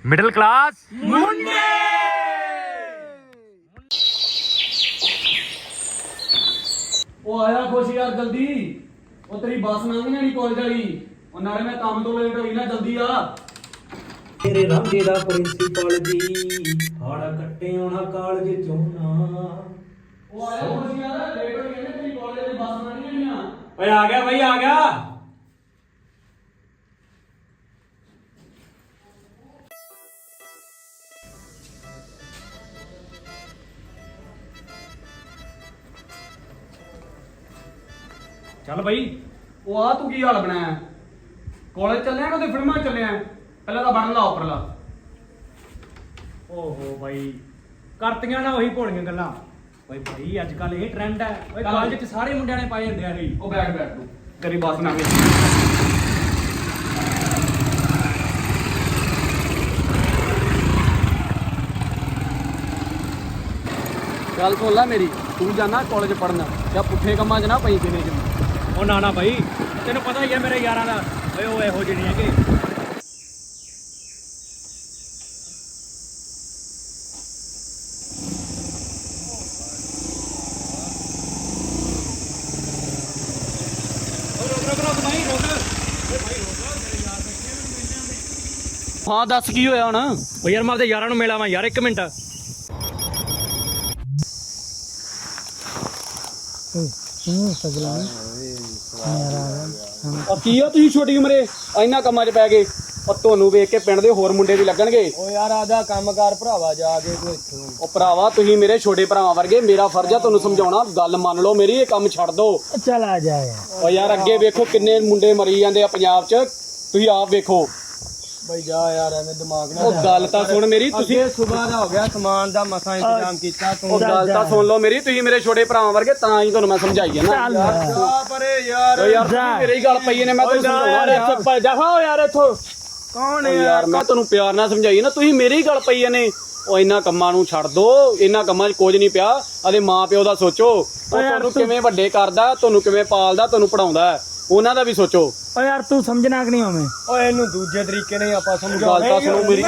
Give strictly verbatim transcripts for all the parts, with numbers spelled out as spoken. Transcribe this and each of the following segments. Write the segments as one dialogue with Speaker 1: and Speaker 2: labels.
Speaker 1: Middle class
Speaker 2: मुंडे।
Speaker 3: ਉਹ ਆਇਆ ਖੁਸ਼ ਯਾਰ ਜਲਦੀ। ਉਹ ਤੇਰੀ ਬੱਸ ਲੰਘ ਜਾਣੀ ਕਾਲਜ ਵਾਲੀ। ਉਹ ਨਾਲੇ ਮੈਂ ਕੰਮ ਤੋਂ ਲੇਟ ਹੋਈ ਨਾ, ਜਲਦੀ ਆ।
Speaker 2: ਤੇਰੇ ਰਾਂਝੇ ਦਾ ਪ੍ਰਿੰਸੀਪਲ ਜੀ ਹਾੜਾ ਕੱਟੇ ਆਉਣਾ ਕਾਲਜ ਚੋਂ ਨਾ।
Speaker 3: ਉਹ ਆਇਆ ਖੁਸ਼ ਯਾਰ, ਲੇਟ ਹੋਈ ਨਾ, ਤੇਰੀ ਕਾਲਜ ਵਾਲੀ ਬੱਸ ਲੰਘ ਜਾਣੀ ਆ।
Speaker 2: ਓਏ ਆ ਗਿਆ ਬਈ, ਆ ਗਿਆ।
Speaker 3: ਚੱਲ ਬਈ। ਉਹ ਆ ਤੂੰ ਕੀ ਹਾਲ ਬਣਾਇਆ? ਕਾਲਜ ਚੱਲਿਆ ਕਿ ਉਹਦੇ ਫਿਲਮਾਂ ਚੱਲਿਆ? ਪਹਿਲਾਂ ਤਾਂ ਬਣ ਲਾ ਉੱਪਰਲਾ।
Speaker 2: ਓਹੋ ਬਾਈ, ਕਰਤੀਆਂ ਨਾ ਉਹੀ ਭੋਲੀਆਂ ਗੱਲਾਂ। ਓਏ ਭਾਈ ਅੱਜ ਕੱਲ ਇਹ ਟ੍ਰੈਂਡ ਹੈ। ਓਏ ਕਾਲਜ 'ਚ ਸਾਰੇ ਮੁੰਡਿਆਂ ਨੇ ਪਾਏ ਹੁੰਦੇ ਆ ਨਹੀਂ।
Speaker 3: ਉਹ ਬੈਠ ਬੈਠ ਤੂੰ, ਤੇਰੀ ਬੱਸ ਲੰਘ ਗਈ। ਗੱਲ ਸੁਣ ਲੈ ਮੇਰੀ, ਤੂੰ ਜਾਣਾ ਕਾਲਜ ਪੜਨ ਜਾਂ ਪੁੱਠੇ ਕੰਮਾਂ 'ਚ ਨਾ ਪਈ ਕਿਨੇ 'ਚ।
Speaker 2: ਉਹ ਨਾ ਨਾ ਬਾਈ, ਤੈਨੂੰ ਪਤਾ ਹੀ ਹੈ ਮੇਰੇ ਯਾਰਾਂ ਦਾ। ਓਏ ਉਹ ਇਹੋ ਜਿਹੇ ਨਹੀਂ ਹੈਗੇ।
Speaker 3: ਹਾਂ ਦੱਸ ਕੀ ਹੋਇਆ ਹੁਣ?
Speaker 2: ਓ ਯਾਰ ਮੈਂ ਆਪਦੇ ਯਾਰਾਂ ਨੂੰ ਮਿਲਾਵਾਂ ਯਾਰ, ਇੱਕ ਮਿੰਟ।
Speaker 3: ਉਹ ਕੀ ਆ ਤੁਸੀਂ ਛੋਟੀ ਉਮਰੇ ਇੰਨਾ ਕੰਮਾਂ 'ਚ ਪੈ ਗਏ? ਉਹ ਤੁਹਾਨੂੰ ਵੇਖ ਕੇ ਪਿੰਡ ਦੇ ਹੋਰ ਮੁੰਡੇ ਵੀ ਲੱਗਣਗੇ।
Speaker 2: ਓ ਯਾਰ ਆਦਾ ਕੰਮਕਾਰ ਭਰਾਵਾ, ਜਾ ਕੇ ਤੂੰ ਇੱਥੋਂ।
Speaker 3: ਉਹ ਭਰਾਵਾ ਤੁਸੀਂ ਮੇਰੇ ਛੋਟੇ ਭਰਾਵਾਂ ਵਰਗੇ, ਮੇਰਾ ਫਰਜ਼ ਆ ਤੁਹਾਨੂੰ ਸਮਝਾਉਣਾ। ਗੱਲ ਮੰਨ ਲਓ ਮੇਰੀ, ਇਹ ਕੰਮ ਛੱਡ ਦਿਓ।
Speaker 2: ਚੱਲ ਆ ਜਾ ਯਾਰ।
Speaker 3: ਉਹ ਯਾਰ ਅੱਗੇ ਵੇਖੋ ਕਿੰਨੇ ਮੁੰਡੇ ਮਰੀ ਜਾਂਦੇ ਆ ਪੰਜਾਬ 'ਚ, ਤੁਸੀਂ ਆਪ ਵੇਖੋ।
Speaker 2: ਬਈ ਜਾ ਯਾਰ, ਐਵੇਂ ਦਿਮਾਗ ਨਾ।
Speaker 3: ਉਹ ਗੱਲ ਤਾਂ ਸੁਣ ਮੇਰੀ, ਤੁਸੀਂ
Speaker 2: ਸਵੇਰ ਦਾ ਹੋ ਗਿਆ, ਸਮਾਨ ਦਾ ਮਸਾਂ ਇੰਤਜ਼ਾਮ ਕੀਤਾ ਤੂੰ।
Speaker 3: ਉਹ ਗੱਲ ਤਾਂ ਸੁਣ ਲਓ ਮੇਰੀ, ਤੁਸੀਂ ਮੇਰੇ ਛੋਟੇ ਭਰਾਵਾਂ ਵਰਗੇ, ਤਾਂ ਹੀ ਤੁਹਾਨੂੰ ਮੈਂ ਸਮਝਾਈ ਜਾਂਦਾ।
Speaker 2: ਜਾ ਪਰੇ ਯਾਰ।
Speaker 3: ਓ ਯਾਰ ਤੁਸੀਂ ਮੇਰੇ ਹੀ ਗੱਲ ਪਈ ਨੇ, ਮੈਂ ਤੁਹਾਨੂੰ ਸਮਝਾਉਣਾ।
Speaker 2: ਚੱਪਲ ਜਾ ਹੋ ਯਾਰ ਇੱਥੋਂ। ਕੌਣ
Speaker 3: ਓ ਯਾਰ ਮੈਂ ਤੁਹਾਨੂੰ ਪਿਆਰ ਨਾਲ ਸਮਝਾਈ ਨਾ, ਤੁਸੀਂ ਮੇਰੇ ਹੀ ਗੱਲ ਪਈ ਨੇ। ਉਹ ਇਹਨਾਂ ਕੰਮਾਂ ਨੂੰ ਛੱਡ ਦੋ, ਇਹਨਾਂ ਕੰਮਾਂ 'ਚ ਕੁਝ ਨਹੀਂ ਪਿਆ। ਆਦੇ ਮਾਂ ਪਿਓ ਦਾ ਸੋਚੋ, ਉਹ ਤੁਹਾਨੂੰ ਕਿਵੇਂ ਵੱਡੇ ਕਰਦਾ, ਤੁਹਾਨੂੰ ਕਿਵੇਂ ਪਾਲਦਾ, ਤੁਹਾਨੂੰ ਪੜਾਉਂਦਾ, ਉਹਨਾਂ ਦਾ ਵੀ ਸੋਚੋ।
Speaker 2: ਓ ਯਾਰ ਤੂੰ ਸਮਝਣਾ ਕਿ ਨਹੀਂ ਹੋਵੇਂ? ਓਏ ਇਹਨੂੰ ਦੂਜੇ ਤਰੀਕੇ ਨਾਲ ਆਪਾਂ ਸਮਝਾਉਂਦੇ।
Speaker 3: ਗੱਲ ਤਾਂ ਸੁਣੋ ਮੇਰੀ।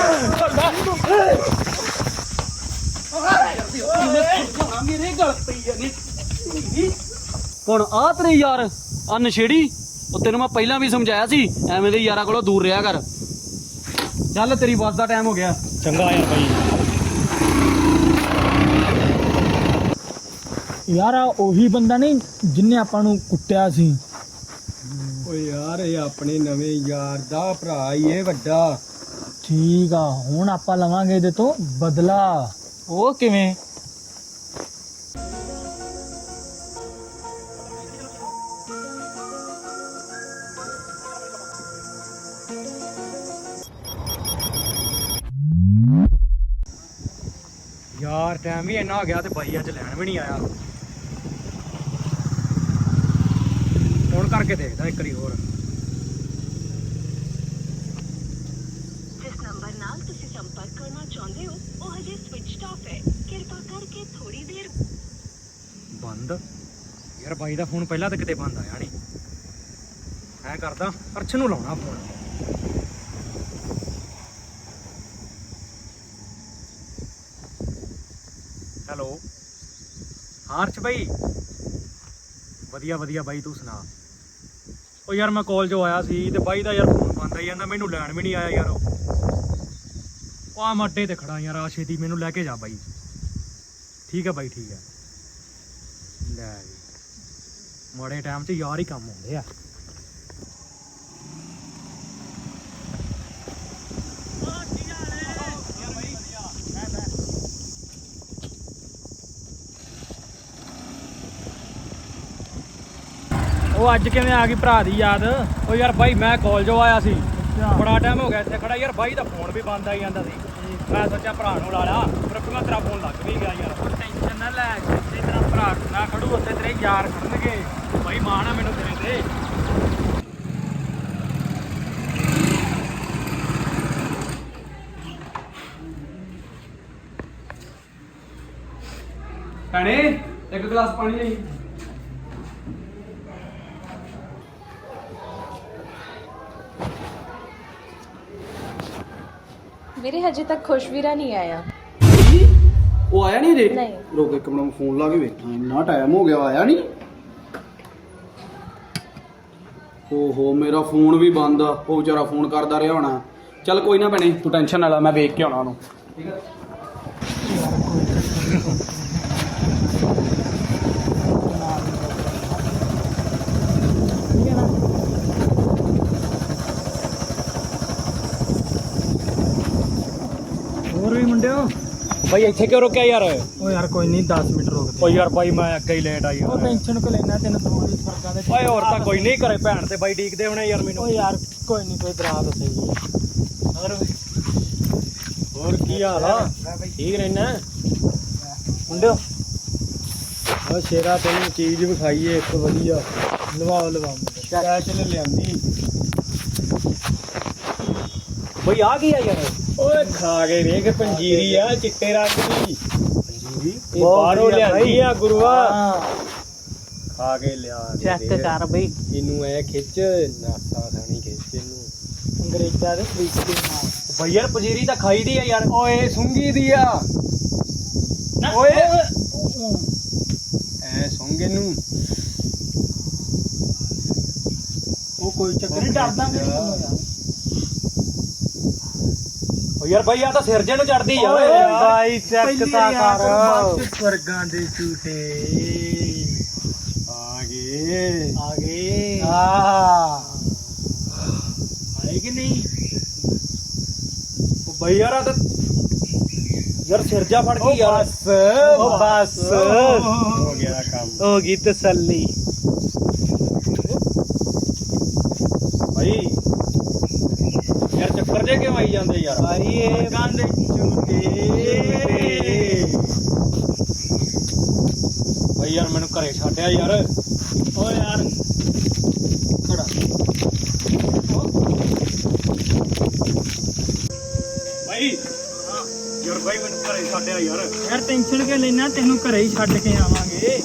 Speaker 3: ਮੇਰੇ ਗੱਲ ਪਈ ਨੇ ਹੁਣ ਆ ਤੇਰੇ ਯਾਰ ਆ ਨਸ਼ੇੜੀ। ਉਹ ਤੈਨੂੰ ਮੈਂ ਪਹਿਲਾਂ ਵੀ ਸਮਝਾਇਆ ਸੀ, ਐਵੇਂ ਦੇ ਯਾਰਾਂ ਕੋਲੋਂ ਦੂਰ ਰਿਹਾ ਕਰ। ਚੱਲ ਤੇਰੀ ਬੱਸ ਦਾ ਟਾਈਮ ਹੋ ਗਿਆ।
Speaker 2: ਚੰਗਾ ਯਾਰ ਬਾਈ।
Speaker 4: ਯਾਰ ਆ ਉਹੀ ਬੰਦਾ ਨਹੀਂ ਜਿੰਨੇ ਆਪਾਂ ਨੂੰ ਕੁੱਟਿਆ ਸੀ?
Speaker 2: ਓਏ ਯਾਰ ਇਹ ਆਪਣੇ ਨਵੇਂ ਯਾਰ ਦਾ ਭਰਾ ਹੀ ਇਹ ਵੱਡਾ।
Speaker 4: ਠੀਕ ਆ, ਹੁਣ ਆਪਾਂ ਲਵਾਂਗੇ ਇਹਦੇ ਤੋਂ ਬਦਲਾ।
Speaker 3: ਉਹ ਕਿਵੇਂ?
Speaker 2: ਯਾਰ ਟਾਈਮ ਵੀ ਇੰਨਾ ਹੋ ਗਿਆ ਤੇ ਬਾਈ ਅੱਜ ਲੈਣ ਵੀ ਨਹੀਂ ਆਇਆ। ਫੋਨ ਕਰਕੇ ਦੇਖਦਾ ਇੱਕ ਵਾਰੀ ਹੋਰ।
Speaker 5: ਜਿਸ ਨੰਬਰ ਨਾਲ ਤੁਸੀਂ ਸੰਪਰਕ ਕਰਨਾ ਚਾਹੁੰਦੇ ਹੋ ਉਹ ਹਜੇ ਸਵਿਚਡ ਆਫ ਹੈ, ਕਿਰਪਾ ਕਰਕੇ ਥੋੜੀ ਦੇਰ।
Speaker 2: ਬੰਦ? ਯਾਰ ਬਾਈ ਦਾ ਫੋਨ ਪਹਿਲਾਂ ਤਾਂ ਕਿਤੇ ਬੰਦ ਆਇਆ ਨਹੀਂ। ਐਂ ਕਰਦਾ ਅਰਸ਼ ਨੂੰ ਲਾਉਣਾ ਫੋਨ। ਹੈਲੋ, ਹਾਂ ਅਰਸ਼ ਬਾਈ। ਵਧੀਆ ਵਧੀਆ ਬਾਈ, ਤੂੰ ਸੁਣਾ? ਉਹ ਯਾਰ ਮੈਂ ਕਾਲਜੋਂ ਆਇਆ ਸੀ ਤੇ ਬਾਈ ਦਾ ਯਾਰ ਫੋਨ ਬੰਦ ਆਈ ਜਾਂਦਾ, ਮੈਨੂੰ ਲੈਣ ਵੀ ਨਹੀਂ ਆਇਆ ਯਾਰ। ਉਹ ਆ ਮੈਂ ਅੱਡੇ ਤੇ ਖੜਾ ਯਾਰ, ਆ ਛੇਤੀ ਮੈਨੂੰ ਲੈ ਕੇ ਜਾ ਬਾਈ। ਠੀਕ ਹੈ ਬਾਈ, ਠੀਕ ਹੈ। ਲੈ ਜੀ, ਮਾੜੇ ਟਾਈਮ 'ਚ ਯਾਰ ਹੀ ਕੰਮ ਆਉਂਦੇ ਆ। ਉਹ ਅੱਜ ਕਿਵੇਂ ਆ ਗਈ ਭਰਾ ਦੀ ਯਾਦ? ਉਹ ਯਾਰ ਬਾਈ ਮੈਂ ਕਾਲਜੋਂ ਆਇਆ ਸੀ, ਬੜਾ ਟਾਈਮ ਹੋ ਗਿਆ ਇੱਥੇ ਖੜਾ ਯਾਰ। ਬਾਈ ਦਾ ਫੋਨ ਵੀ ਬੰਦ ਆਈ ਜਾਂਦਾ ਸੀ, ਮੈਂ ਸੋਚਿਆ ਭਰਾ ਨੂੰ ਲਾ ਲਾ, ਪਰ ਅੱਗੋਂ ਤੇਰਾ ਫੋਨ ਲੱਗ ਵੀ ਗਿਆ ਯਾਰ। ਟੈਨਸ਼ਨ ਨਾ ਲੈ, ਜਿੱਥੇ ਤੇਰਾ ਭਰਾ ਨਾ ਖੜੂ ਉੱਥੇ ਤੇਰੇ ਯਾਰ ਖੜਨਗੇ। ਬਾਈ ਮਾਣ ਆ ਮੈਨੂੰ ਤੇਰੇ ਤੇ।
Speaker 3: ਭੈਣੇ ਇੱਕ ਗਲਾਸ ਪਾਣੀ ਲਈ।
Speaker 1: ਵੀਰੇ ਹਜੇ ਤੱਕ ਖੁਸ਼ਵੀਰਾ ਨਹੀਂ ਆਇਆ।
Speaker 3: ਉਹ ਆਇਆ ਨਹੀਂ ਰੇ?
Speaker 1: ਨਹੀਂ।
Speaker 3: ਰੁਕ ਇੱਕ ਮਿੰਟ ਫੋਨ ਲਾ ਕੇ ਵੇਖਾਂ, ਇੰਨਾ ਟਾਈਮ ਹੋ ਗਿਆ ਆਇਆ ਨਹੀਂ। ਓਹੋ ਮੇਰਾ ਫੋਨ ਵੀ ਬੰਦ ਆ, ਉਹ ਵਿਚਾਰਾ ਫੋਨ ਕਰਦਾ ਰਿਹਾ ਹੋਣਾ। ਚੱਲ ਕੋਈ ਨਾ ਭੈਣੇ ਤੂੰ ਟੈਨਸ਼ਨ ਨਾ ਲੈ, ਮੈਂ ਵੇਖ ਕੇ ਆਉਣਾ ਉਹਨੂੰ। ਠੀਕ ਹੈ।
Speaker 4: ਹੋਰ ਵੀ ਮੁੰਡਿਓ।
Speaker 2: ਬਾਈ ਇੱਥੇ ਕਿਉਂ ਰੁਕਿਆ ਯਾਰ?
Speaker 4: ਓ ਯਾਰ ਕੋਈ ਨਹੀਂ ਦਸ ਮਿੰਟ ਰੁਕ ਦੇ।
Speaker 2: ਓ ਯਾਰ ਬਾਈ ਮੈਂ ਅੱਗੇ ਹੀ ਲੇਟ ਆਈ
Speaker 4: ਉਹ ਟੈਨਸ਼ਨ ਕੋ ਲੈਣਾ, ਤੈਨੂੰ ਦੋ ਦੀ ਫਰਕਾਂ ਦੇ।
Speaker 2: ਓਏ ਹੋਰ ਤਾਂ ਕੋਈ ਨਹੀਂ, ਘਰੇ ਭੈਣ ਤੇ ਬਾਈ ਡੀਕਦੇ ਹੋਣੇ ਯਾਰ ਮੈਨੂੰ।
Speaker 4: ਓ ਯਾਰ ਕੋਈ ਨਹੀਂ, ਕੋਈ ਦਰਾ ਤਾਂ ਸਹੀ।
Speaker 2: ਹੋਰ ਕੀ ਹਾਲ ਆ? ਠੀਕ ਰਹਿਣਾ
Speaker 4: ਮੁੰਡਿਓ
Speaker 2: ਓ ਸ਼ੇਰਾ, ਤੈਨੂੰ ਚੀਜ਼ ਵਿਖਾਈਏ ਇੱਕ ਵਧੀਆ।
Speaker 4: ਲਵਾਓ ਲਵਾਓ
Speaker 2: ਸਪੈਸ਼ਲ ਲਿਆਂਦੀ। ਬਈ ਆ ਕੀ ਆ ਯਾਰ?
Speaker 4: ਓਏ ਖਾ ਕੇ ਵੇਖ, ਪੰਜੀਰੀ ਆ ਚਿੱਟੇ ਰੰਗ ਦੀ।
Speaker 2: ਪੰਜੀਰੀ
Speaker 4: ਇਹ ਬਾਹਰੋਂ ਲਿਆਂਦੀ ਆ ਗੁਰੂਆ।
Speaker 2: ਖਾ ਕੇ ਲਿਆ
Speaker 4: ਚੈੱਕ ਕਰ ਬਈ,
Speaker 2: ਇਹਨੂੰ ਐ ਖਿੱਚ, ਨਾਸਾ ਖਾਣੀ ਖਿੱਚ ਇਹਨੂੰ।
Speaker 4: ਅੰਗਰੇਜ਼ਾਂ ਦੇ ਤਰੀਕੇ ਨਾਲ।
Speaker 2: ਬਈ ਯਾਰ ਪੰਜੀਰੀ ਤਾਂ ਖਾਈ ਦੀ ਆ ਯਾਰ।
Speaker 4: ਓਏ ਸੁੰਗੀ ਦੀ ਆ।
Speaker 2: ਓਏ
Speaker 4: ਐ ਸੁੰਗੇ ਨੂੰ ਉਹ ਕੋਈ ਚੱਕਰ ਨਹੀਂ, ਡਰਦਾ ਨਹੀਂ ਯਾਰ।
Speaker 2: ਓ ਯਾਰ ਬਾਈ ਆ ਤਾਂ ਸਿਰ ਜੇ ਨੂੰ ਚੜਦੀ ਯਾਰ।
Speaker 4: ਓਏ ਬਾਈ ਚੈੱਕ ਤਾਂ ਕਰ। ਸਵਰਗਾਂ ਦੇ ਝੂਠੇ
Speaker 2: ਆ ਗਏ
Speaker 4: ਆ ਗਏ।
Speaker 2: ਆ
Speaker 4: ਆਏ ਕਿ ਨਹੀਂ?
Speaker 2: ਓ ਬਈ ਯਾਰ ਆ ਤਾਂ ਯਾਰ ਸਿਰ ਜਾ ਫੜ ਗਈ ਯਾਰ।
Speaker 4: ਬਸ ਓ ਬਸ
Speaker 2: ਹੋ ਗਿਆ ਕੰਮ।
Speaker 4: ਹੋ ਗਈ ਤਸੱਲੀ।
Speaker 2: ਭਾਈ ਯਾਰ ਚੱਕਰ ਜੇ ਕਿਉਂ ਆਈ ਜਾਂਦੇ ਯਾਰ?
Speaker 4: ਭਾਈ ਇਹ ਗੰਦ ਝੂਠੇ।
Speaker 2: ਭਾਈ ਯਾਰ ਮੈਨੂੰ ਘਰੇ ਛੱਡਿਆ ਯਾਰ।
Speaker 4: ਓ ਯਾਰ
Speaker 2: ਖੜਾ ਭਾਈ। ਯਾਰ ਭਾਈ ਮੈਨੂੰ ਘਰੇ ਛੱਡਿਆ ਯਾਰ।
Speaker 4: ਯਾਰ ਟੈਨਸ਼ਨ ਕਿਉਂ ਲੈਣਾ, ਤੈਨੂੰ ਘਰੇ ਹੀ ਛੱਡ ਕੇ ਆਵਾਂਗੇ।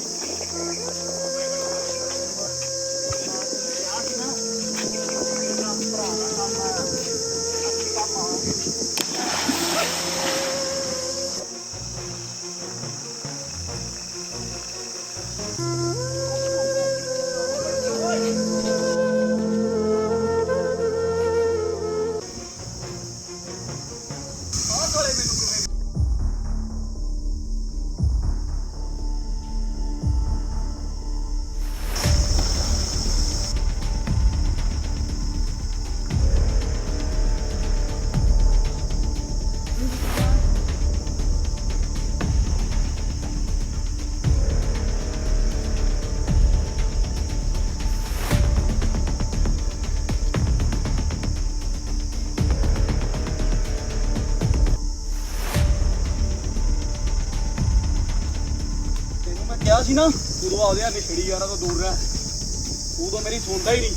Speaker 2: ਕਿਹਾ ਸੀ ਨਾ ਉਦੋਂ ਆਉਦੇ ਆ ਨਸ਼ੇੜੀ ਯਾਰਾਂ ਤੋਂ ਦੂਰ ਰਹਿ। ਉਦੋਂ ਮੇਰੀ ਸੁਣਦਾ ਹੀ ਨਹੀਂ।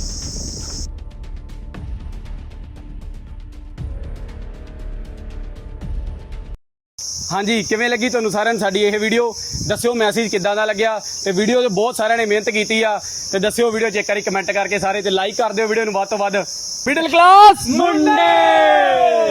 Speaker 3: ਹਾਂਜੀ ਕਿਵੇਂ ਲੱਗੀ ਤੁਹਾਨੂੰ ਸਾਰਿਆਂ ਨੂੰ ਸਾਡੀ ਇਹ ਵੀਡੀਓ? ਦੱਸਿਓ ਮੈਸੇਜ ਕਿੱਦਾਂ ਦਾ ਲੱਗਿਆ। ਤੇ ਵੀਡੀਓ 'ਚ ਬਹੁਤ ਸਾਰਿਆਂ ਨੇ ਮਿਹਨਤ ਕੀਤੀ ਆ, ਤੇ ਦੱਸਿਓ ਵੀਡੀਓ 'ਚ ਇੱਕ ਵਾਰੀ ਕਮੈਂਟ ਕਰਕੇ ਸਾਰੇ, ਤੇ ਲਾਈਕ ਕਰ ਦਿਓ ਵੀਡੀਓ ਨੂੰ ਵੱਧ ਤੋਂ ਵੱਧ। ਮਿਡਲ ਕਲਾਸ ਮੁੰਡੇ।